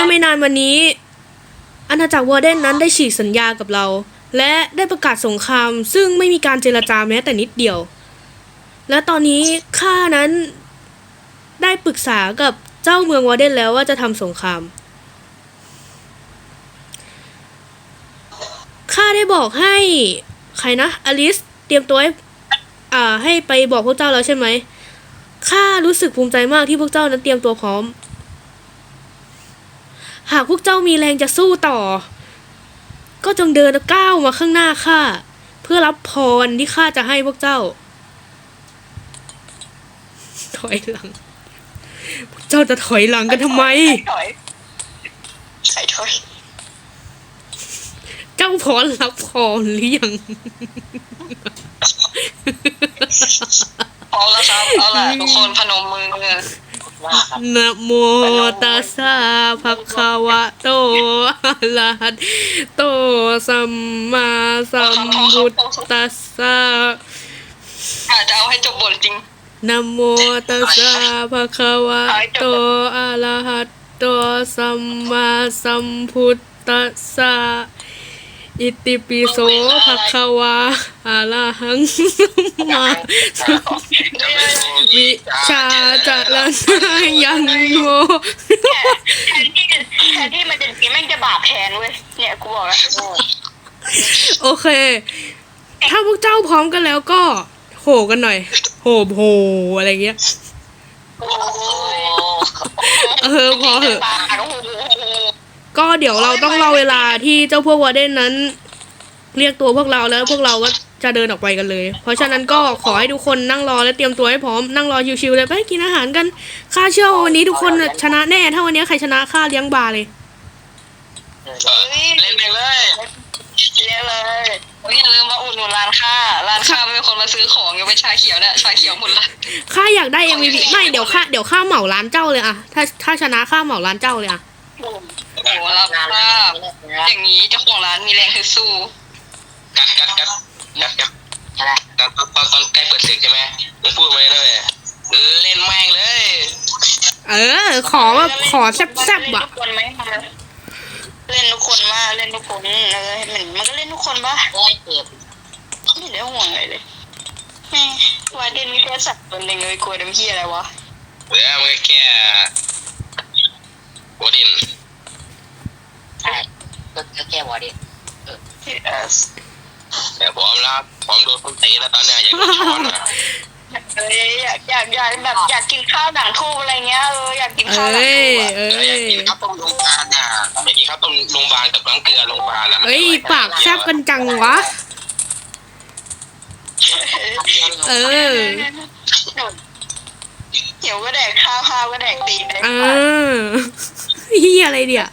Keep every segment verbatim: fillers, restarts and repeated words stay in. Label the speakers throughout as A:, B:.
A: มื่อไม่นานวันนี้อาณาจักรวอร์เดนนั้นได้ฉีกสัญญากับเรา และได้ประกาศสงครามซึ่งไม่มีการเจรจาแม้แต่นิดเดียวและตอนนี้ข้านั้นได้ปรึกษากับเจ้าเมืองวอร์เดนแล้วว่าจะทำสงครามข้าได้บอกให้ใครนะอลิสเตรียมตัวให้อ่าให้ไปบอกพวกเจ้าแล้วใช่ไหมข้ารู้สึกภูมิใจมากที่พวกเจ้านั้นเตรียมตัวพร้อมหากพวกเจ้ามีแรงจะสู้ต่อก็จงเดินก้าวมาข้างหน้าข้าเพื่อรับพรที่ข้าจะให้พวกเจ้าถอยหลังพวกเจ้าจะถอยหลังกันทำไม
B: ถอยใครถอย
A: เจ้าพร้อมรับพรหรือยัง
B: พร้อมแล้วครับเอาล่ะทุกคนพนมมือ
A: นะโมตัสสะภะคะวะโตอะระหะโตสัมมาสัมพุทธัสสะ
B: อาจจะเอาให้จบบทจริง
A: นะโมตัสสะภะคะวะโตอะระหะโตสัมมาสัมพุทธัสสะอิติปิโสภะคะวะอะระหังสัมมาสัมวิชาจารณะยังโง่
B: แทนที่แทนที่มันจะกินแม่งจะบาปแทนเว้ยเนี่ยกูบอกแล้ว
A: โอเคถ้าพวกเจ้าพร้อมกันแล้วก็โหกันหน่อยโหโหอะไรเงี้ยเออพอเหอะก็เดี๋ยวเราต้องรอเวลาที่เจ้าพวกวอร์เดนนั้นเรียกตัวพวกเราแล้วพวกเราก็จะเดินออกไปกันเลยเพราะฉะนั้นก็ขอให้ทุกคนนั่งรอและเตรียมตัวให้พร้อมนั่งรอชิวๆเลยไปกินอาหารกันข้าเชื่อว่าวันนี้ทุกคนชนะแน่ถ้าวันนี้ใครชนะข้าเลี้ยงบาร์เลย
B: เล่นไปเลยเล่นเลยอย่าลืมมาอุดหนุนร้านข้าร้านข้าไม่มีคนมาซื้อของยังเป็นชาเขียวเนี่ยชาเขียวหมดละ
A: ข้าอยากได้ เอ็ม วี พี ไม่เดี๋ยวข้าเดี๋ยวข้าเหมาร้านเจ้าเลยอะถ้าถ้าชนะข้าเหมาร้านเจ้าเลยอะ
B: โอ้โหรับภาพอย่างนี้เจ้าของร้านมีแรงฮึดสู้
C: กัดกัดกัดกัดกัดอะไรตอนตอนตอนใกล้เปิดศึกใช่ไหมมึงพูดมาเลยนะเว้ยเล่นแม่งเลย
A: เออขอแบบขอแซ่บๆอ่ะ
B: เล่นทุกคนมาเล่นทุกคนเออเหมือนมันก็เล่นทุกคนป่ะโอ้ยเจ็บไม่ได้ห่วงเลยเลยแม่ว่าเด่นมีแค่สัตว์ตัวหนึ่งเลยกลัวน้ำขี้อะไรวะ
C: เออมันแค่วอร์ดิน
B: ใช่ก็แค่วอร์ดินเออ
C: แต่พร้อมแล้วพร้อมโดนคนตีแล้วตอนนี้อยากโดนช้อนอ่ะ
B: เอ้ยอยากอยากอยากแบบอยากกินข้าวด่างทูบอะไรเงี้ยเอออยากกินข้าวด่างทูบอ่ะ
C: อยากกินข้าวต้มโรงพยาบาลอ่ะอยากกินข้าวต้มโรงพยาบาลกับน้ำเกลือโรงพยาบาลอ่ะ
A: เฮ้ยปากแซ่บกันจังวะเออ
B: เดี๋ยวก็แดกข้าวข้าวก็แดกตีนได้
A: เออเฮียอะไรเดี๋ย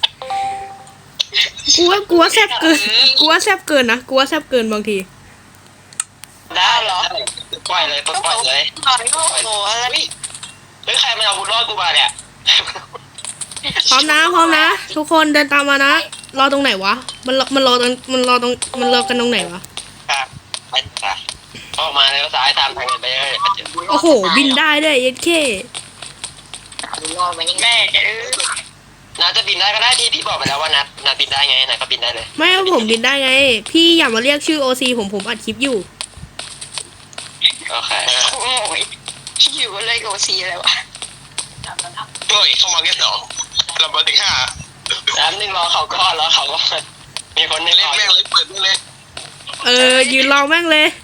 A: กูว่ากูว่าแซ่บเกินกูว่าแซ่บเกินนะกูว่าแซ่บเกินบางที
B: ได้เหรอ
C: ปล่อยเลยปล่อยเลย
B: ปล่อยโอ้โหอะไร
C: เฮ้ยใครมาเอาบุญรอดกูมาเนี่ย
A: พร้อมนะพร้อมนะทุกคนเดินตามมานะรอตรงไหนวะมันมันรอตรงมันรอตรงมันรอกันตรงไหนวะ
C: ครับไปค่ะออกมาแล้วซ้ายตามทางไปเลย
A: โอ้โหบินได้ด้วยเย็ดเค
B: บุญรอดมันยังแม่เออ
C: นัดจะบินได้ก็ได้ที่พี่บอกไปแล้วว่านัดนัดบินได้ไงนัดก็บินได้เลย
A: ไม่ผมบินได้ไงพี่อย่ามาเรียกชื่อโอซีผมผมอัดคลิปอยู่
C: โอเค
B: โอ้ยอยู่อะไรกับโอซีอะไรวะ
C: เฮ้ยเข้ามาแค่สองเราไปถึงห้าแล้วนึงรอเขาก็รอเขาก็มีคนเล่นแม่งเลยเปิดเลย
A: เออยืนรอแม่งเลย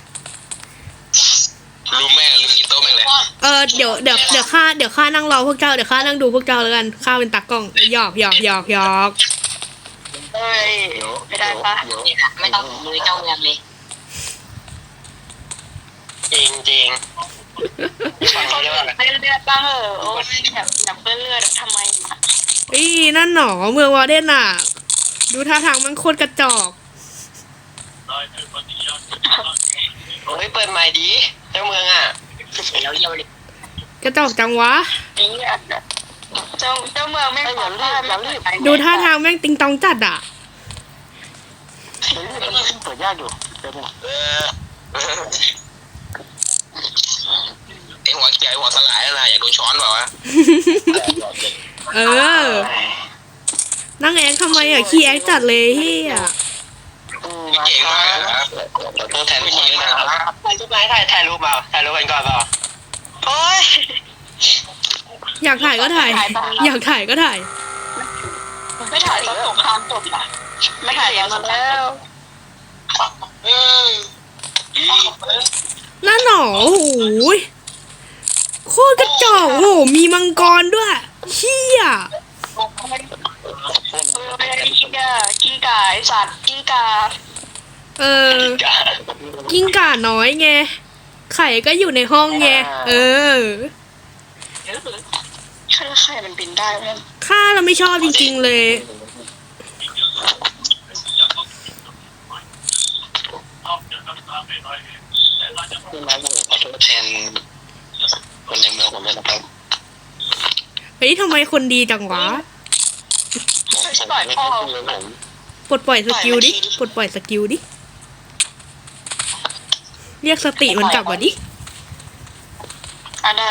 C: รู้แม่ลืมกินโต๊ะแม่งเลย
A: เออเดี๋ยวเดี๋ยวเดี๋ยวข้าเดี๋ยวข้านั่งรอพวกเจ้าเดี๋ยวข้านั่งดูพวกเจ้าแล้วกันข้าเป็นตากล้องหยอกหยอกหยอกหยอก
B: เฮ้ยไม่ได้ปะไม่ต้องมือเจ้าเมืองเลย
C: จริงจริง
B: ฟังเขาเลือดเลือดบ้างเหรอโอ้ยอยากอยากเลือดเลือดทำไม
A: อีนั่นหนอเมืองวอร์เดนอ่ะดูท่าทางมันโคตรกระจอก
C: โอ้ยเปิดใหม่ดีเจ้าเมืองอ่ะ
B: แล้วเยี่ยวเลย
A: กระจอกจังวะ
B: เจ้าเจ้าเมืองแม่งอย่ารีบอย่ารีบ
A: ดูท่าทางแม่งติงตองจัดอ่ะ
C: เปิดยากอยู่เออไอหัวใหญ่หัวสลายนะอยากโดนช้อนเปล่าวะ
A: เออนั่งแอคทำไมอ่ะขี้แอคจัดเลยเฮีย
C: เก่งมากครับตัวแทนพี่นะครับถ่ายรูปไหมถ่ายถ่ายรูปเปล่าถ่ายรูปกันก่อนเปล่า
B: โอ้ย
A: อยากถ่ายก็ถ่าย อยากถ่ายก็ถ่าย
B: ไม่ถ่ายตอนสงครามจบอ่ะไม่ถ่ายยังมาแล้ว
C: เออ
A: นั่นหนอโอ้โหยโคตรกระจอกโอ้โหมีมังกรด้วยเฮีย
B: เออกี้กากี้กาไอสัตว์กี้กา
A: เออกิ้งก่าน้อยไงไข่ก็อยู่ในห้องไงเออ
B: ใครใครมันบินได้ไหม
A: ข้าเราไม่ชอบจริงๆเลย
C: พี่มาผมขอโทษแทนคนในเมืองผมเลยนะครับ
A: เฮ้ยทำไมคนดีจังวะ
B: ปล่อยพ่อ
A: ปลดปล่อยสกิลดิปลดปล่อยสกิลดิเรียกสติมันกลับมาดิ
B: อ่ะได้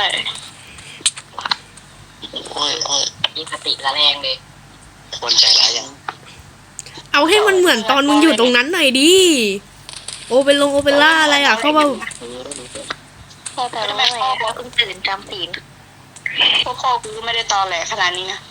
C: โอ้ยโอ้ย
D: มีสติละแรงเลย
C: คนใจร้ายยัง
A: เอาให้มันเหมือนตอนมึงอยู่ตรงนั้นหน่อยดิโอเปนลงโอเปร่าอะไรอ่ะเข้ามา
B: พ่อแต่ทำไมพ่อพ่อเพิ่งตื่นจำศีลพวกพ่อกูก็ไม่ได้ตอแหลขนาดนี้นะ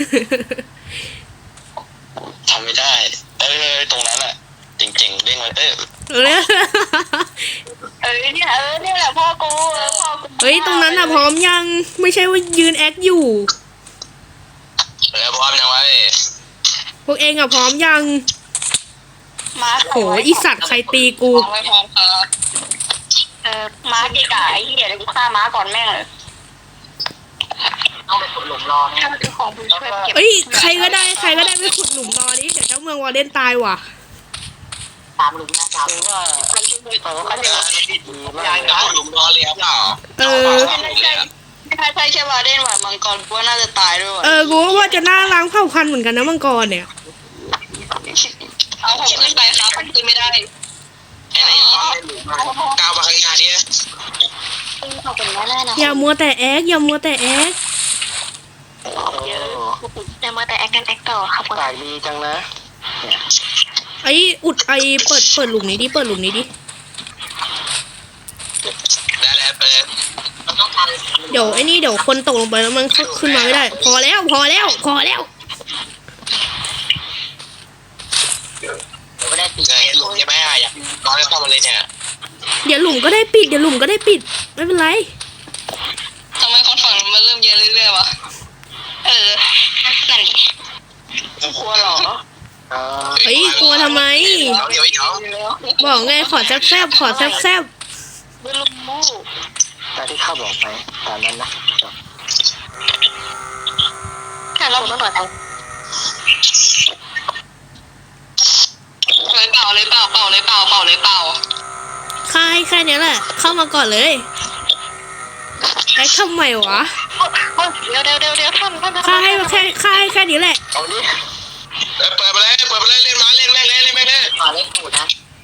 C: ทำไม่ได้เออตรงนั้นอ่ะเจ๋งๆเด้งเลยเออ
A: เออ
B: เออเนี่ยเออเนี่ยแหละพ่อกูเออพ่อกู
A: เฮ้ยตรงนั้นอ่ะพร้อมยังไม่ใช่ว่ายืนแอคอยู่
C: เออพร้อมยังวะพี่
A: พวกเองอ่ะพร้อมยัง
B: มา
A: โหอีสัตว์ใครตีกู
C: พร้อมไม่พร้อมครับ
B: เออม้าเกะกะไอ้เหี้ยเดี๋ยวกูฆ่าม้าก่อนแม่งเลย
D: ต้องไปขุดหลุมรอเนี่
B: ถ้าย มันคือของมึงช่วยเก็บ
A: เอ้ยใครก็ได้ใครก็ได้ไปขุดหลุมรอดิเดี๋ยวเจ้าเมืองวอร์เดนตายว่ะ
D: ตามหลุมนะครับ
C: ว่าเขาเขาจะยางกับหลุมรอเลยครับเปล่า
A: เออ
B: ไม่ใช่ไม่ใช่ใช่ใช่วาเดนหวานมังกรกูว่าน่าจะตายด้วยว่ะ
A: เออกูว่าว่าจะน่าล้างเผ่าพันธุ์เหมือนกันนะมังกรเนี่ย
B: เอาผมขึ้นไปครับมันขึ้นไม่ได้
C: ไอ้นี่ก้าวมาข้างหน้าดิ
B: เขาเป็นแน่ๆนะ
A: อย่ามัวแต่แอคอย่ามัวแต่แอค
B: เยอะแต่มาแต่แอคกันแอคต่อครับ
C: ปากดีจังนะ
A: ไออุดไอเปิดเปิดหลุมนี้ดิเปิดหลุมนี้ดิ
C: ได้แล้วไปเลย
D: มันต้องทำ
A: เดี๋ยวไอ้นี่เดี๋ยวคนตกลงไปแล้วมันขึ้นมาไม่ได้ พอแล้วพอแล้วพอแล้ว
D: เดี๋ยวก็ได้ปีก
C: เงยหลุมยังไม่ได้อยากนอนแล้วเข้ามาเลยเนี่ย
A: เดี๋ยวหลุมก็ได้ปิดเดี๋ยวหลุมก็ได้ปิดไม่เป็นไร
B: ทำไมคนฝั่งมันเริ่มเยอะเรื่อยๆวะเออนั่นดิกลัวเหรอ
A: เฮ้ยกลัวทำไม
C: เดี๋ยวเดี๋ยว
A: บอกไงขอแซบแซบๆขอแซบแซบ
B: ไม่รู้
C: ตามที่ข้าบอกไปตามนั้นนะ
B: แค่เราต้องต่อเลยเปล่าเลยเปล่าเปล่าเลยเปล่าเปล่าเลยเปล่า
A: ๆค่ายแค่เนี้ยแหละ เข้ามาก่อนเลยแอคทำไมวะ
B: เดี๋ยวเดี๋ยวเดี๋ยวเดี๋ยวท่านท่าน
A: ค่ายให้แค่ค่ายให้แค่นี้แหละ
C: เอาดิเปิดไปเลยเปิดไปเลยเล่นมาเล่นแม่งเลยเล่นแม่งเลย
D: ขอเล่นขุดนะ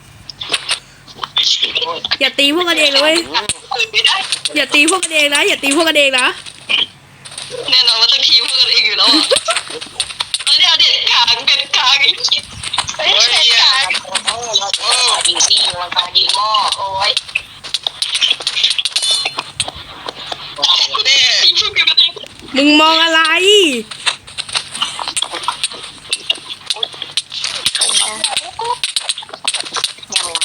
A: อย่าตีพวกกันเองเลยเว้ย
B: เปิดไม่ได้
A: อย่าตีพวกกันเองนะอย่าตีพวกกันเองนะ
B: แน่นอนว่าต้องทีมกันเองอยู่แล้วอ่ะเดี๋ยวเด็ดขางเด็ดขางไอ้เฮ้ย
C: โอ้ย
B: เด็ด
C: เหี้ย
B: ขาง
C: โอ้โห
D: ยิงนี่มันตายิงหม้อโอ้ย
C: กูดิ
B: ทีมกันเอง
A: มึงมองอะไร
D: ยังไง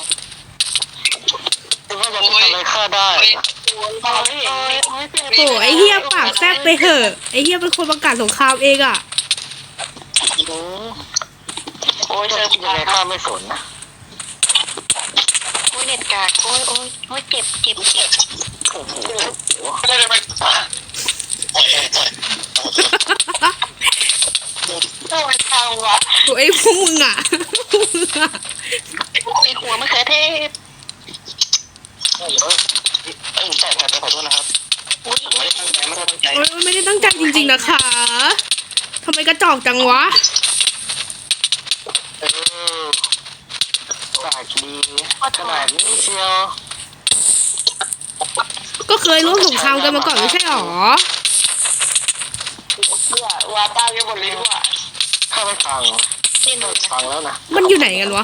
C: ว่าจะทำอะไรข้าได้
B: โอ้ยโอ้ยโอ้ย
A: โอ้ไอเฮียปากแซบไปเถอะไอเฮียเป็นคนประกาศสงครามเองอ่ะ
B: โอ้ยเจอ
C: ยังไงข้าไม่สนนะ
B: โอ้ยเน็ตกากโอ้ยโอ้ยโอ้ยเจ็บเจ็บเจ็บ
C: โอ้โหไม่ได้ไปโอ้ยโอ้ย
B: โอ้ยทางวะ
A: โอ้ยพวกมึงอ่ะพวกมึงอ่ะ
B: ไอหัวมะเขือเทศ
C: เอ้ยเอ้ยแต่แต่ขอโทษนะครับไม่ได้ตั้งใจไม่ได้ตั้งใจ
A: โอ้ยไม่ได้ตั้งใจจริงๆนะคะทำไมกระจอกจังวะ
C: เออปากดีขนาดนี้เชียว
A: ก็เคยร่วมสงครามกันมาก่อนไม่ใช่หรอ
B: เบื่อวาต้าแกหมดเลยว่ะ
C: ขข้าไม่ฟัง
B: เล่นดูนะ
C: ฟังแล้วนะ
A: มันอยู่ไหนกันวะ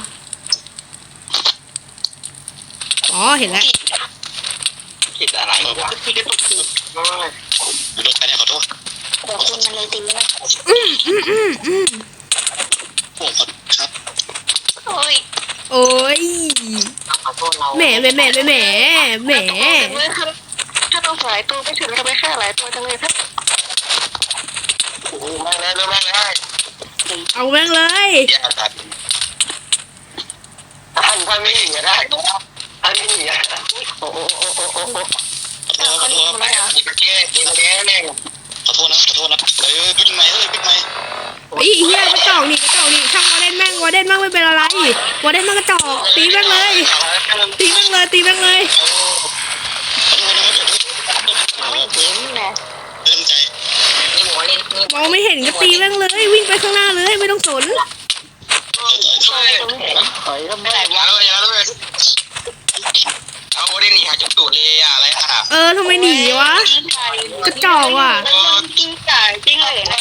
A: อ๋อเห็นแล้ว
C: ผิดอะไรวะ
B: พี่กระตุกที
C: อยู่ตรงไหนเนี่ยขอโทษ
B: แต่คุณมันเลยตีนะ
A: อืมอืมอืมอืม
C: ผมขอครับ
B: โอ้ย
A: โอ้ย
D: ขอโทษเรา
A: แหมแหมแหมแหมแหมแหม
B: ถ้าต้องหลายตัวไม่ถึงทำไมแค่หลายตัวจังเลยครับ
C: โอ้แม่งเลยแม่งเลย
A: เอาแม่งเลย
C: อย่าตัดท่านท่านไม่หนีได้ท่านไม่หนีอ่ะโอ้โอ้โอ้โอ้โอ้โอ้ขอโทษขอโทษไปยิงมาแก้ยิงมาแก้แม่งขอโทษนะขอโทษนะเออบิ๊กไมค์เอ้ยบิ๊กไมค์
A: ไอ้เหี้ยกระจอกนี่กระจอกนี่ช่างวอเดนแม่งวอเดนแม่งไม่เป็นอะไรวอเดนแม่งกระจอกตีแม่งเลยตีแม่งเลยตีแม่งเลย
B: ไม่เห็นนะ
C: เต็มใจ
D: นี่หมูเล่นนี่
A: มองไม่เห็นก็ตีแม่งเลยวิ่งไปข้างหน้าเลยไม่ต้องสน
C: ช่วยถอยทำไมวะเลยแล้วเลยเอาได้หนีหาจุดตูดเลยอะอะไรอะ
A: เออทำไมหนีวะกระจอกว่ะ
B: กิ้งก่ากิ้งเลยนะ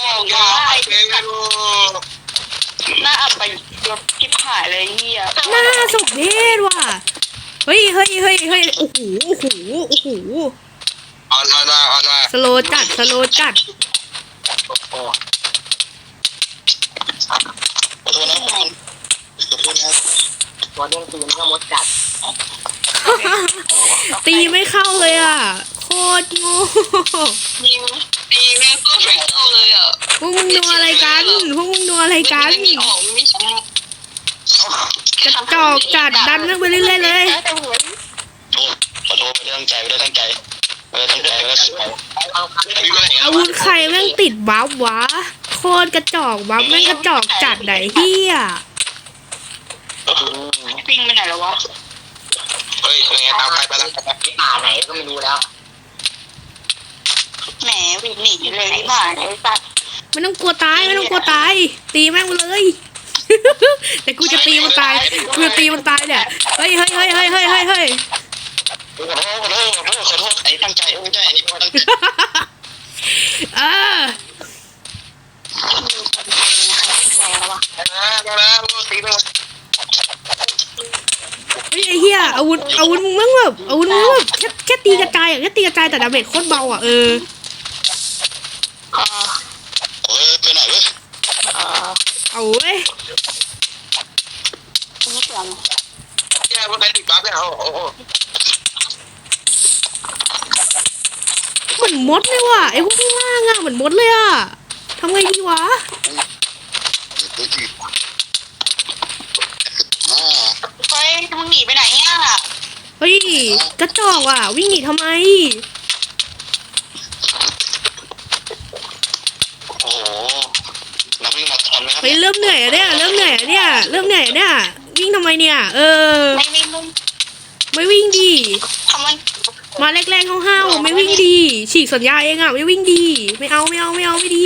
B: หน้าอับไปยกทิพหายเลยเฮีย
A: หน้าสมเพศว่ะเฮ้ยเฮ้ยเฮ้ยเฮ้ยโอ้โหโอ้โหโอ้โห
C: ออนมาออนมา
A: สโลจัดสโลจัด
C: ขอโทษนะขอโทษนะ
D: ตัวเล่นตีมันก็มดกัด
A: ตีไม่เข้าเลยอ่ะโคตรโง่
B: ยิงตีแม่งก็ไม่เข้าเลยอ่ะ
A: พวกมึงดูอะไรกันพวกมึงดูอะไรกัน
B: ไม่มีออกไม่ใช่
A: กระจอกจัดดันนั่งไปเรื่อยๆเลย
C: โทษขอโทษไม่ได้ตั้งใจไม่ได้ตั้งใจไม่ได้ตั้งใจไม่ได้ตั้งใจ
D: เอาครับ
A: อาวุธใครแม่งติดบัฟวะโคตรกระจอกบัฟแม่งกระจอกจัดไหนเฮีย
B: ปิ้งไปไหนแล้ววะ
C: เฮ้ยยังไงตามใครไปแล้ว
D: ป่าไหนก็ไม่รู้แล้ว
B: แหมวิ่งหนีเลยที่บ้านไอ้สัตว์
A: ไม่ต้องกลัวตายไม่ต้องกลัวตายตีแม่งไปเลย แต่กูจะตีมันตายกูจะตีมันตายเนี่ยเฮ้ยเฮ้ยเฮ้ยเฮ้ยเฮ้ยเฮ้ยเฮ้ย
C: ขอโทษขอโทษขอโทษขอโทษไอ้ตั้งใจไม่ใช่ไอ้นี่ตั้งใจ
A: เออ
B: แล้ววะ
C: นะนะตีไป
A: เฮ้ยไอ้เหี้ยอาวุธอาวุธมึงแม่งแบบอาวุธมึงแบบแค่แค่ตีกระจายอ่ะแค่ตีกระจายแต่ดาเมจโคตรเบาอ่ะเออ
B: อ่า
C: เฮ้ยไปไหนเว้ย
B: อ่า
A: เอาเว้ย
B: ไม่เชื่อ
C: แย่ว่าไปติดบัฟเนี่ยโอ้โห
A: เหมือนมดเลยว่ะไอ้พวกข้างล่างอ่ะเหมือนมดเลยอ่ะทำไงดีวะ
C: ตัวจีอ่า
B: เฮ้ยมึงหนีไปไหนอ่ะ
A: เฮ้ยกระจอกอ่ะวิ่งหนีทำไม
C: โอ้โหนักวิ่งมาราธอนไหมครับ
A: เฮ้ยเริ่มเหนื่อยอะเนี่ยเริ่มเหนื่อยอะเนี่ยเริ่มเหนื่อยอะเนี่ยวิ่งทำไมเนี่ยเออ
B: ไม่ไม่มึง
A: ไม่วิ่งดี
B: ทำมัน
A: มาแรกๆห้าวๆไม่วิ่งดีฉีกสัญญาเองอ่ะไม่วิ่งดีไม่เอาไม่เอาไม่เอาไม่ดี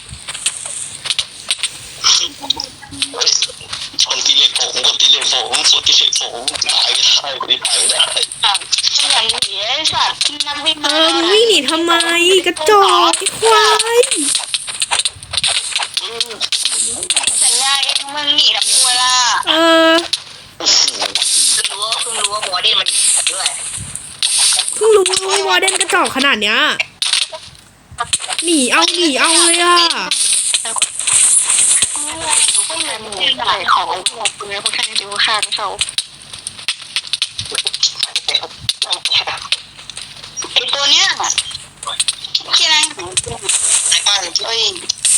C: คนตีเหล็กผมคนตีเหล็กผมคนตีเหล็กผมตายไม่ได้คนนี้ตายไม่ได้
B: อ่ะขยันหนีไอ้สัตว์นักวิ่ง
A: เออมึงวิ่งหนีทำไมกระจอกไอ้ควาย
B: สัญญาเองมึงหนีกับกูล่ะ
A: เออ
C: โอ้โห
D: เพิ่งรู้ว่าเพิ่งรู้ว่าหมูเล่นมันด้วย
A: เพิ่งรู้ว่าวอร์เดนกระจอกขนาดเนี้ยหนีเอาหนีเอาเลยอ่ะ
B: พวกมึงใส่ของพวกมึงพวกแค่นี้ดูค่าเขาไอตัวเนี้ยที่นั่งอยู่
C: บ้าน
B: เอ้ย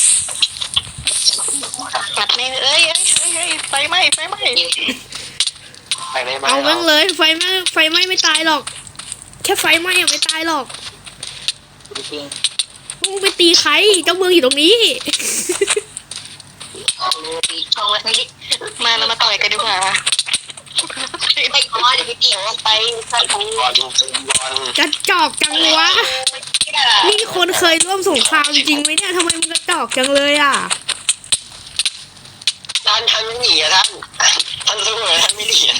B: กัดแม่งเอ้ยเอ้ยเอ้ยเอ้ยไฟไหม้ไฟไหม้
C: ไปในบ้าน
A: เอาแม่งเลยไฟไหม้ไฟไหม้ไม่ตายหรอก แค่ไฟไหม้อะไม่ตายหรอก
D: จริง
A: มึงไปตีใครเจ้าเมืองอยู่ตรงนี้
D: มือตีช่องแล้วนี่
B: มาเรามาต่อยกันดีกว่า
D: ไม่พอเดี๋ยวพี่ตี
B: ไปสัตว์
C: บอลบอล
A: กระจอกจังวะนี่คนเคยร่วมสงครามจริงไหมเนี่ยทำไมมึงกระจอกจังเลยอ่ะ
C: ท่านท่านไม่หนีอะท่านท่านสู้เลยท่านไม่หนีอะ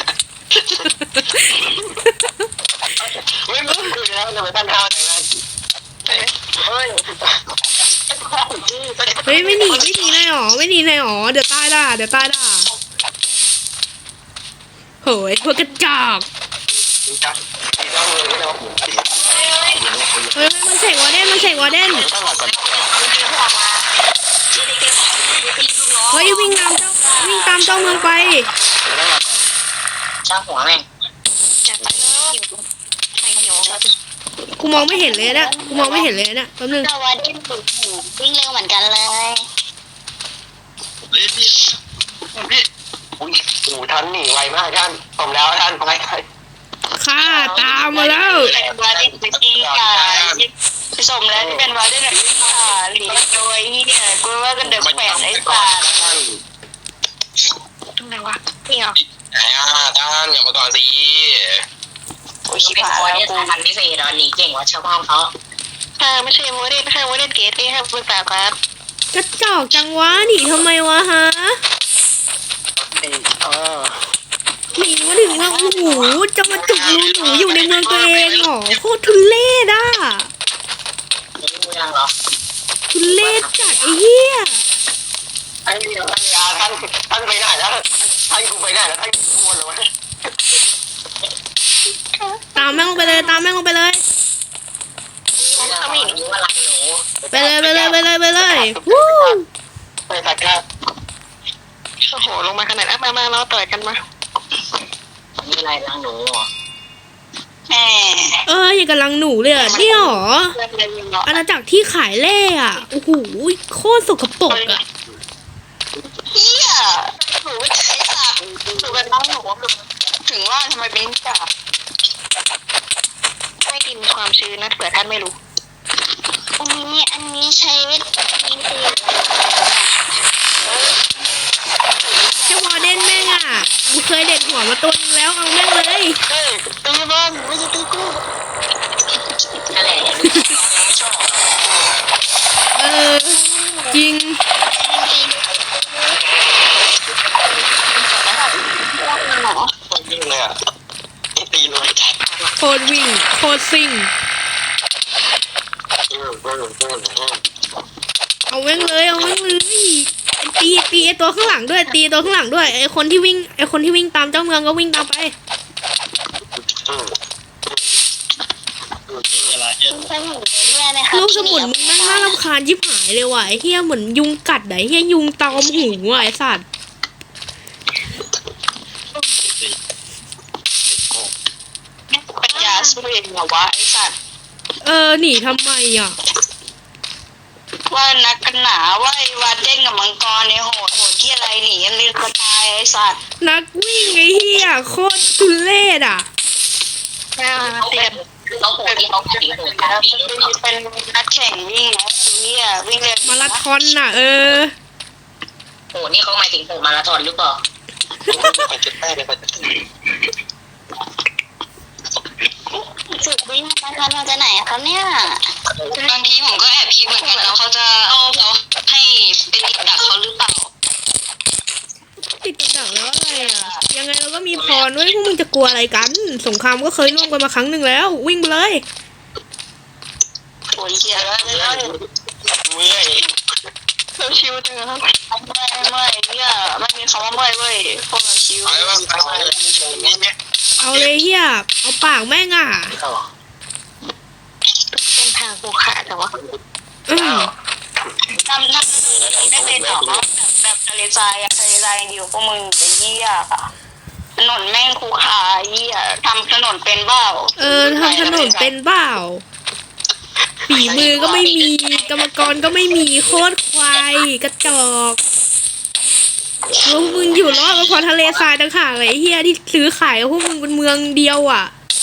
C: ไม่ไม่คุยแล้วทำไมท่านท้าอย่างนั้นเฮ้ย
A: เฮ้ยไม่หนีไม่หนีนายหรอไม่หนีนายหรอเดี๋ยวตายด่าเดี๋ยวตายด่าโหยพวกกระจอกเฮ้ยมันเสกวอร์เดนมันเสกวอร์เดนเฮ้ยวิ่งตามเจ้าวิ่งตามเจ้าเมืองไป
D: ช่างหัวแม่ง
B: จัดไปเลยใครหิวครับ
A: กูมองไม่เห็นเลยนะกูมองไม่เห็นเลยนะแป๊บนึง
B: ก็ว่าดิ้นถูกหูวิ่งเร็วเหมือนกันเลย
C: เฮ้ยพี่พี่อุ้ยโอ้ท่านหนีไวมากท่านผมแล้วท่านไปไป
A: ข้าตามมาแล้ว
B: เป็นวาดิ้นไปกินกาผสมแล้วที่เป็นวาดิ้นแบบนี้ค่ะหลีโดยที่เนี่ยกูว่ากันเดือดแปดไอ้สาร
C: ท่าน
B: ตรงไหนวะนี่เหรอ
C: ไหนอ่ะท่านอย่ามาก่อนสิ
B: โอ้ย
D: กู
B: ชิบ
D: เป็น
B: หาย
D: คน
B: แล้ว
D: ที่
B: กู
D: ทันพิเศษตอนนี้เก่งกว่าชาวบ้านเขา
B: เออไม่ใช่โมเดลไม่ใช่โมเดลเกตที่ให้ปรึกษาครับ
A: กระจอกจังวะหนีทำไมวะฮะ
C: เออ
A: หนีมาถึงว่าโอ้โหจะมาจุกรูหนูอยู่ในเมืองตัวเองเหรอโคตรทุเรศอ่ะ
D: ไม่รู้เรื่องหรอ
A: ทุเรศจัดไอ้เหี้ย
C: ไอ้ท่านยาท่านท่านไปไหนแล้วท่านกูไปไหนแล้วท่านกูวนเลยวะ
A: ตามแม่งลงไปเลยตามแม่งลงไปเลย
D: เขาไม่รู้ว่ารักหนู
A: ไปเลยไปเลยไปเลยไปเลยวู้
C: ไปตัดก้า
B: โอ้โหลงมาขนาดนั้นมามาเราต่อยกันมา
D: มีอะไรรักหนู
B: แหม
A: เอออย่างกับลังหนูเลยอ่ะเนี่ยหรอ
B: เรื่องอะไรเนาะ
A: อาณาจักรที่ขายเล่อ่ะโอ้โหโคตรสกปรกอ่ะ
B: เฮียหนูไม่ใช่สัตว์หนูเป็นน้องหนูถึงว่าทำไมเป็นจ่าไม่กินความชื้นนะเผื่อท่านไม่รู้อันนี้อันนี้ใช้วิธีตี
A: แค่วอร์เดนแม่งอ่ะกูเคยเด็ดหัวมาตัวนึงแล้วเอาแม่งเลย
B: เฮ้ยตีบ้านไม่ใช่ตีกู
D: อะไร
B: ไม่ชอบ
A: เออจริง
C: คนวิ่งเลยอ่ะตีเลย
A: โคตรวิ่งโคตรซิ่ง
C: เออเออเออเออ
A: เอาแม่งเลยเอาแม่งเลยตีตีไอตัวข้างหลังด้วยตีตัวข้างหลังด้วยไอคนที่วิ่งไอคนที่วิ่งตามเจ้าเมืองก็วิ่งตามไป
C: เอออะไรเนี่ย
B: ใช่หนูเฮียไหมคะ
A: ลูกสมุนมึงแม่งน่ารำคาญยิบหายเลยว่ะไอเฮียเหมือนยุงกัดไหนเฮียยุงตอมหูอ่ะไอสัตว์
B: ปัญญาสู้เองเหรอวะไอสัตว์
A: เออหนีทำไมอ่ะ
B: ว่านักกันหนาว่าไอ้วาเด้งกับมังกรเนี่ยโหดโหดที่อะไรหนียังลืมกระตายไอสัตว์
A: นักวิ่งไอเฮียโคตรทุเรศอ่ะ
B: ไม่เอาเตียน
D: เขาโหดที่เขาถึงโหดกัน
B: เป็นนักแข่งวิ่งนะเนี่ยวิ่งเร็ว
A: มาราธอนน่ะเออ
D: โหนี่เขาหมายถึงโหมาราธอนหรือเปล่า
C: ไปจุดแป้งเลยไปจุด
B: ฝึกวิ่งมาทันมาจากไหนอะครับเนี่ยบางทีผมก็แอบคิดเหมือนกันแล้วเขาจะเอาเขาให้ไปติดดักเขาหรือเปล่า
A: ติดกับดักแล้วอะไรอ่ะยังไงเราก็มีพรด้วยพวกมึงจะกลัวอะไรกันสงครามก็เคยร่วมกันมาครั้งหนึ่งแล้ว วิ่งไปเลย
B: โอ้ยเหี้ยแล้วแล้ว
C: เมื่อย
B: เราชิวจังครับไม่ไม่เนี่ยไม่มีคำว่าไม่เว้ยพวกเราชิว
C: ไปว่าไปเลยตรงนี้เนี่ย
A: เอาเลยเฮียเอาปากแม่งอ่ะ
B: เป็นทางภูขาแต่ว่า
A: อืม
B: ทำทำไม่เป็นหรอแบบแบบทะเลทรายอะทะเลทรายเดียวพวกมึงไอ้เหี้ยถนนแม่งคูขาเหี้ยทำถนนเป็นเบ้า
A: เออทำถนนเป็นเปล่าฝีมือก็ไม่มีกรรมกรก็ไม่มีโคตรควายกระจอกแล้วพวกมึงอยู่รอดก็เพอทะเลทรายต่างหากเลยไอ้เฮียที่ซื้อขายกับพวกมึงเป็นเมืองเดียวอ่ะ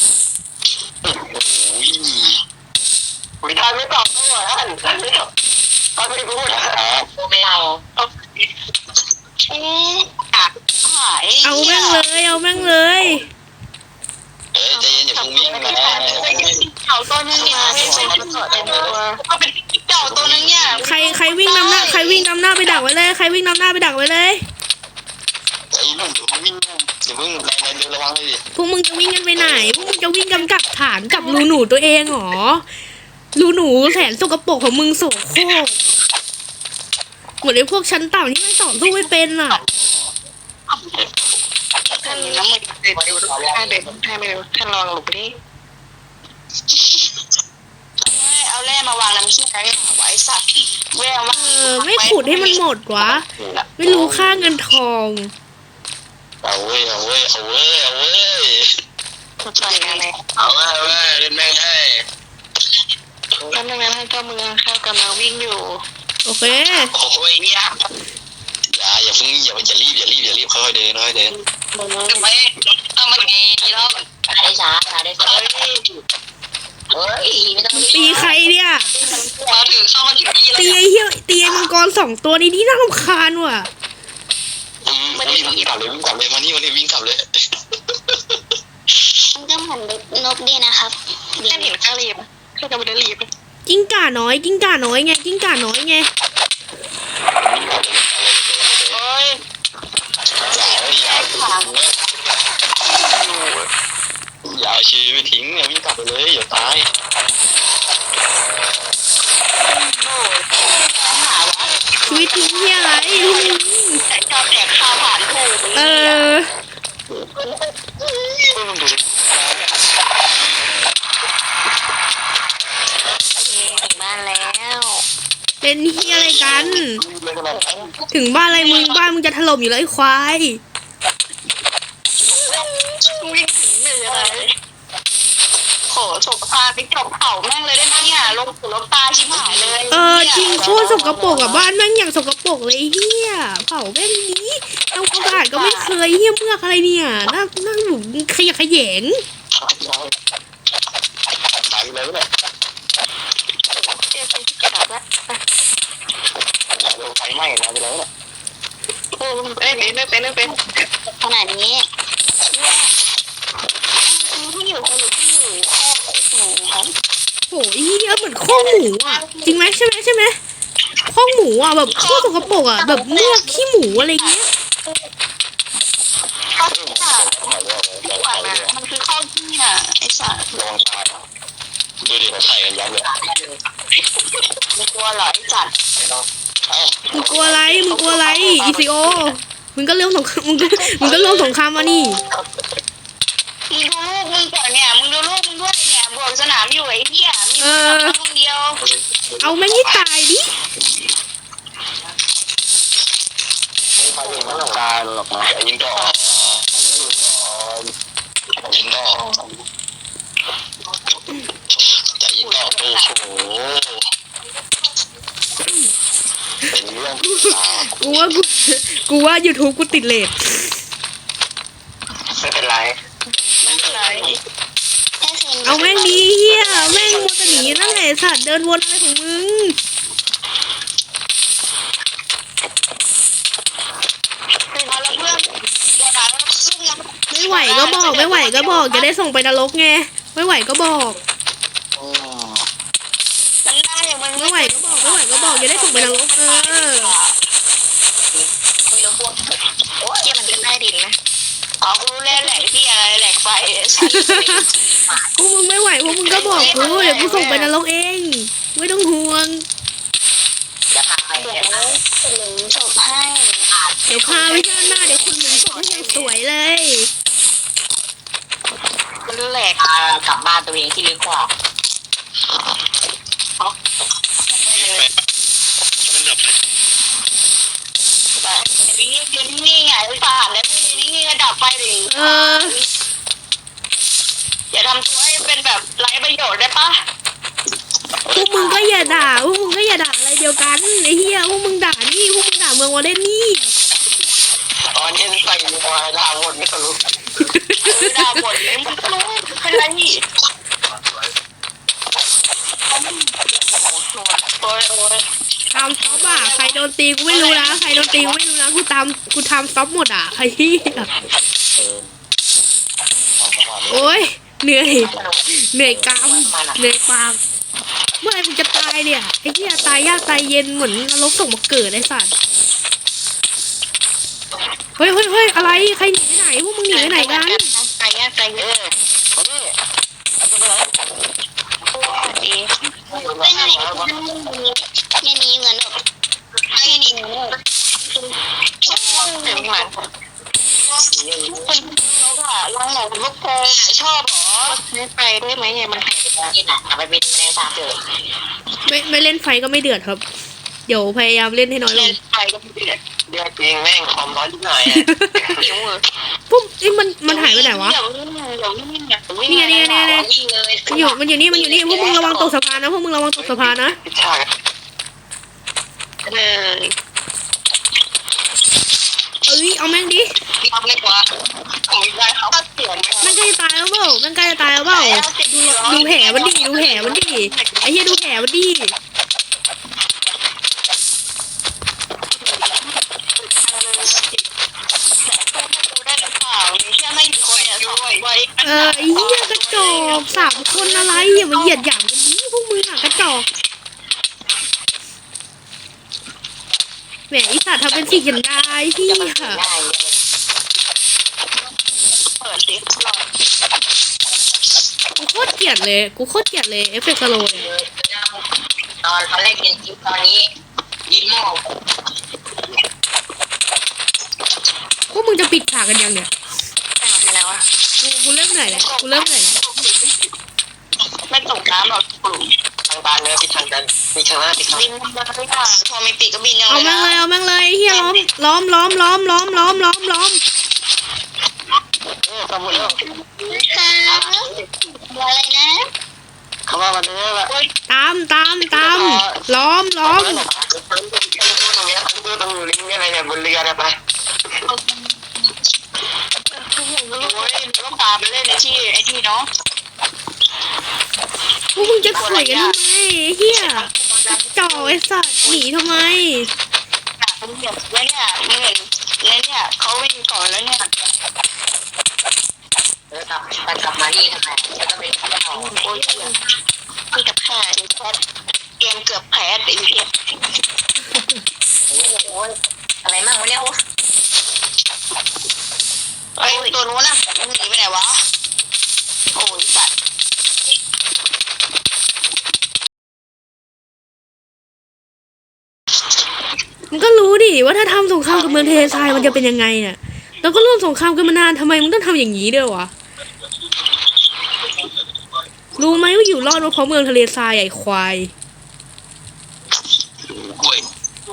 C: วิธานไม่ตอบด้วยท่านท่านไม่ตอบท่านไม่พูด
D: โหไม่เอา
B: เอ๊ะหาย
A: เอาแม่งเลยเอาแม่งเลย
C: เอ้ยใจเย็นอย่าเพิ่งวิ่งนะ
B: เก่าตัวนึงเนี่ยไม่ใช่ตัวเต็มตัวก็เป็นเก่าตัวนึงเนี่ย
A: ใครใครวิ่งนำหน้าใครวิ่งนำหน้าไปดักไว้เลยใครวิ่งนำหน้าไปดักไว้เลย
C: ใจเย็นอย่าเพิ่งวิ่งอย่าเพิ่งแรงแรงเดินระวังเลยดิ
A: พวกมึงจะวิ่งกันไปไหนพวกมึงจะวิ่งกำกับฐานกับรูหนูตัวเองเหรอรูหนูแสนสกปรกของมึงโสโครกเหมือนไอ้พวกชั้นต่ำที่มันต่อสู้ไม่เป็นอ่ะ
B: ท่านน้ำมันเด็ดอยู่ท่านเด็ดท่านไม่รู้ท่านลองหลบดิเอาแร่มาวางน้ำขี้ไก่ไว้สัตว์แร่ว่า
A: เออไม่ขุดให้มันหมดวะไม่รู้ค่าเงินทอง
C: เอาเว้ยเอาเว้ยเอาเว้ยเอาเว้ย
B: ใช่ไง
C: เอาเว้ยเอาเว้ยเล่นแม่งให้
B: ท่านนั้นท่านเจ้าเมืองข้ากำลังวิ่งอยู่
A: โอเค
C: โอ้ยเนี่ยอย่าอย่าเพิ่งอย่าอย่ารีบอย่ารีบอย่ารีบค่อยๆเดินค่อยๆเดิน
D: ทำไมทำมันไงดีแล้วช้าได้ช้าช้าได้ช้าเฮ้ยไม่ต้อง
A: ตีใครเนี่ย
D: มาถึงเข้ามาถึงนี่แล้ว
A: ตีไอ้เหี้ยตีไอ้มังกรสองตัวนี้นี่น่ารำคาญว่ะ
C: อืมวิ่งกลับเลยวิ่งกลับเลยมานี่มานี่วิ่งกลับเลย
B: มันก็เหมือนนกดีนะครับท่านเห็นข้ารีบข้ากำลังรีบ
A: กิ้งก่าน้อยกิ้งก่าน้อยไงกิ้งก่าน้อยไง
B: โอ้ย
C: อย่าเอาชีวิตทิ้งเนี่ยวิ่งกลับไปเลยอย่าตาย
A: ชีวิตทิ้งที่อะไร
B: แต่ชอบแดกข้าวผ่านถูก
A: เออ
B: ถึงบ้านแล้ว
A: เป็นเฮียอะไรกัน ถึงบ้านอะไรมึงบ้านมึงจะถล่มอยู่แล้วไอ้ควาย
B: วิ่งถึงเหนื่อยโหสกปรกไปจบเผาแม่งเลยได้ไหมเนี่ยลงสู่ลงตาชิบหายเลย
A: เออจริงโคตรสกปรกอ่ะบ้านแม่งอย่างสกปรกเลยเฮียเผาแม่งนี้เอากระดาษก็ไม่เคยเฮียเมือกอะไรเนี่ยนั่งนั่งอยู่ขยะแขยง
C: ตายไปเลยเนี่ย
B: เจ๊เป็นที่กระดาษละ
C: ไฟไหม้ตายไปเลยเนี่ย
B: โอ้ไม่เป็นไม่เป็นไม่เป็นขนาดนี้ที่อยู่คนหรือที่อยู่ข้อหนูครับ
A: โหเฮียเหมือนข้อหมูอ่ะจริงไหมใช่ไหมใช่ไหมข้อหมูอ่ะแบบโคตรสกปรกอ่ะแบบเมือกขี้หมูอะไรเงี้ย
B: ข้อที่อ่ะดีกว่านะมันคือข้อที่อ่ะไอ้สัตว์
C: ลองตายดูดิเขาใส่กันยับเลย
B: ไม่กลัวหรอไอ้สัตว์
C: เอ้า
A: มึงกลัวอะไรมึงกลัวอะไรอีซีโอมึงก็เรื่องสงครามมึงก็มึงก็เรื่องสงครามมานี่
B: มึงดูลูกมึงก่อนเนี่ยมึงดูลูกมึงด้วยเนี่ยบวกสนามอยู่ไอ้เหี้ยมีมึงคนเดียว
A: เอาแม่งให้ตายดิ
C: ตายหรอกนะยิงต่อยิงต่อจะยิงต่อโอ้โหเป็นเรื่อง
A: กูว่ากูกูว่ายูทูบกูติดเลท
C: ไม่เป็นไร
B: ไม่เป็นไร
A: เอาแม่งดีเฮียแม่งมัวแต่หนีนั่นแหละสัตว์เดินวนอะไรของมึง
B: เอาละเพื่อนอย่าด่าเราซึ่งนะ
A: ไม่ไหวก็บอกไม่ไหวก็บอกจะได้ส่งไปนรกไงไม่ไหวก็บอก
B: มันได้มัน
A: ไม่ไหวก็บอกไม่ไหวก็บอกจะได้ส่งไปนรกเออ
B: คุยแล้วพวกโอ้ยมันเป็นได้ดินนะเอากูรู้แล้วแหลกที่อะไรแหลกไฟฉัน
A: พวกมึงไม่ไหวพวกมึงก็บอกกูเดี๋ยวกูส่งไปนรกเองไม่ต้องห่วง
D: จะพาไป
B: เดี๋ยวหนึ่งจบให้
A: เดี๋ยวพาไปชาติหน้าเดี๋ยวคุณหนึ่งส่งให้ยังสวยเลย
B: มันแหลก
D: พากลับบ้านตัวเองที่ลึกกว่า
C: มันดับไป
B: ไปยืนยืนนิ่งๆไงไอ้ป่านแล้วยืนนิ่งๆก็ดับไฟดิ
A: เออ
B: อย่าทำตัวให้เป็นแบบไร้ประโยชน์ได้ปะ
A: พวกมึงก็อย่าด่าพวกมึงก็อย่าด่าอะไรเดียวกันไอ้เหี้ยพวกมึงด่านี่พวกมึงด่าเมืองวอลเลนนี่
C: ตอนนี้ใส่หัวดาวหมดไม่ทะลุ
B: ด่าหมดเลยมันรู้เป็นไรนี่โอ้ยโอ้ย
A: ตามซ็อปอ่ะใครโดนตีกูไม่รู้นะใครโดนตีกูไม่รู้นะกูตามกูทำซ็อปหมดอ่ะไอ้เหี้ยโอ้ยเหนื่อยเหนื่อยกามเหนื่อยปากเมื่อไหร่มึงจะตายเนี่ยไอ้เหี้ยตายยากตายเย็นเหมือนนรกส่งมาเกิดไอ้สัตว์เฮ้ยเฮ้ยเฮ้ยอะไรใครหนีไปไหนพวกมึงหนีไปไหนกัน
B: ใจเงี้ยใจเงี้ย
C: มาดิอาจจะเป็นอะไร
B: ดีไม่ไหนเนี่ยนี้เหมือนแบบไอ้นี่คนนกอะรังไหนพวกแกชอบเหรอไม่ไปได้ไหมไงมัน
D: กินอ่ะเอาไปบินแมลงสาบเถอะ
A: ไม่ไม่เล่นไฟก็ไม่เดือดครับ เดี๋ยวพยายามเล่นให้น้อยล
B: เล่
A: ง
B: นไปก็ไม่เดือด
C: เดือดจริงแม่งความร้อนที่ไหนอ่ะ
B: หิวเลย
A: ปุ๊บไอ้ยมันมันหายไปไหนวะ
B: เดี๋ยววิ่งเดี๋ยววิ่งเนี่ยเดี๋ยววิ่ง
A: นี่ไงนี่ไงนี่ไง
D: ยิงเลย
A: มันอยู่มันอยู่นี่มันอยู่นี่พวกมึงระวังตกสะพานนะพวกมึงระวังตกสะพานนะ
C: พิชชา
B: เออ
A: เอ้ยเอาแม่งดิ
D: พี่ทำได้กว่า
B: ผมได้เขาก็เสียง
A: มันใกล้จะตายแล้วเปล่ามันใกล้จะตายแล้วเปล่าดูดูแผลมันดิดูแผลมันดิไอ้เหี้ยดูแผลมันดิ
B: ได้หรือเปล่ามีแค่ไม่กี่คนเนี่ยสองไว้
A: เออไอ้เหี้ยกระจอกสามคนอะไรอย่ามาเหยียดหยามกันนี้พวกมึงอะกระจอกแหมไอีสัตว์ทำเป็นสีกันได้พี่ค่ะ
D: ง่ายเลย
B: เปิดสิรอ
A: กูโคตรเกลียดเลยกูโคตรเกลียดเลยเอฟเฟกต์สโลว์เนี่ย
D: ตอนตอนแรกเป็นคลิปตอนนี้ยินหม้อ
A: พวกมึงจะปิดฉากกันยังเนี่ย
B: อ่านไปแล้วอะ
A: กูกูเริ่มเหนื่อยแล้วกูเริ่มเหนื่อยแล้ว
B: ไม่ตกน้ำหรอกกลุ่ม
C: ทางบานเนื้อพิทางกันมีชนะพิทาง
B: บินมาไม่ได้พอมีปีกก็บินยัง
A: เอา
B: ไง
A: แม่งเลยเอาแม่งเลยเฮียล้อมล้อมล้อมล้อมล้อมล้อมล้อมล้อม
C: เออขบวนแล้ว
B: ค่ะอะไรนะ
C: คำว่ามันเนื้อละ
A: ตามตามตามล้อมล้อม
C: ตรงนี้ตรงลิงก์อะไรเนี่ยบนเรือเนี่ยไป
B: โอ้ยหนูก็พาไปเล่นในที่ไอ้ที่เนาะ
A: พวกมึงจะข่อยกันทำไมไอ้เฮียจ่อไอ้สัตว์หนีทำไม
B: ผมเห็นแล้วเนี่ยมึงเห็นแล้วเนี่ยเขาวิ่งก่อนแล้วเนี่ย
D: เออกลับไปกลับมานี่ทำไมแล้วก็เป็นข้าว
B: โอ้ยคือกับข่าเกมเกือบแพ้ไอ้เหี้ย
D: โอ้ยอะไรมั่งวะเนี่ยโอ้
B: ไอ้ตัวนู้นน่ะมันหนีไปไหนวะโอ้ยสัตว์
A: มึงก็รู้ดิว่าถ้าทำสงครามกับเมืองเทเลทรายมันจะเป็นยังไงเนี่ยเราก็ร่วมสงครามกันมานานทำไมมึงต้องทำอย่างนี้ด้วยวะรู้ไหมว่าอยู่รอดเพราะเมืองทะเลทรายไอ้ควาย
C: กล้วย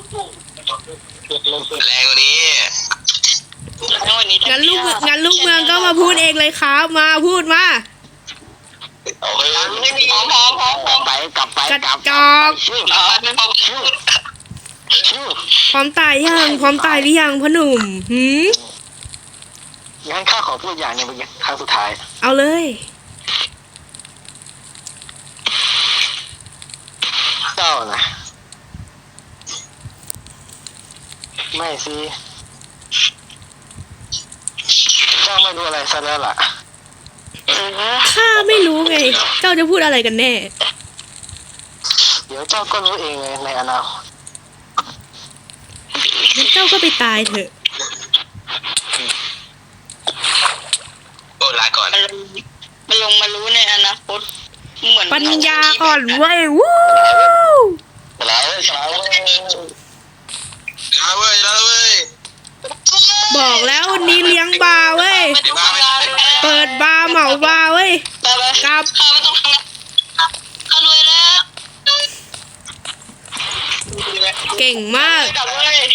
C: แรงกว่านี้
B: แล้ววันนี้
A: งั้นลูกงั้นลูกเมืองก็มาพูดเองเลยครับมาพูดมา
C: โอ้ย
B: ไม่มีพร้อมพร้อมพร้อมพร้อม
C: ไปกลับไป
A: กระ
C: กลับ
A: จอก
C: ชื่อ
B: เออไม่พร้อม
C: ชื่อชื่อ
A: พร้อมตายยังพร้อมตายหรือยังพ่อหนุ่มหืม
C: งั้นข้าขอพูดอย่างหนึงเป็นครั้งสุดท้าย
A: เอาเลย
C: เจ้านะไม่สิเจ้าไม่รู้อะไรซะแล้วล่ะ
A: ข้าไม่รู้ไง เจ้าจะพูดอะไรกันแน่
C: เดี๋ยวเจ้าก็รู้เองเลยในอนาคต
A: งั้นเจ้าก็ไปตายเถอะ
C: โอ้ลาก่อน
B: มันลงมารู้ในอนาคตเหมือน
A: ปัญญาอ่อนเว้ยวู้
C: ลาเว้ยลาเว้ยลาเว้ยลาเว้ย
A: บอกแล้ววันนี้เลี้ยงบาร์เว้ย
B: ไม่ต้องทำงานเลย
A: เปิดบาร์เหมาบาร์เว้ย
B: ไปไป
A: กลับ
B: ข้าไม่ต้องทำงานข้ารวยแล้ว
A: เก่งมาก
B: กลับเลย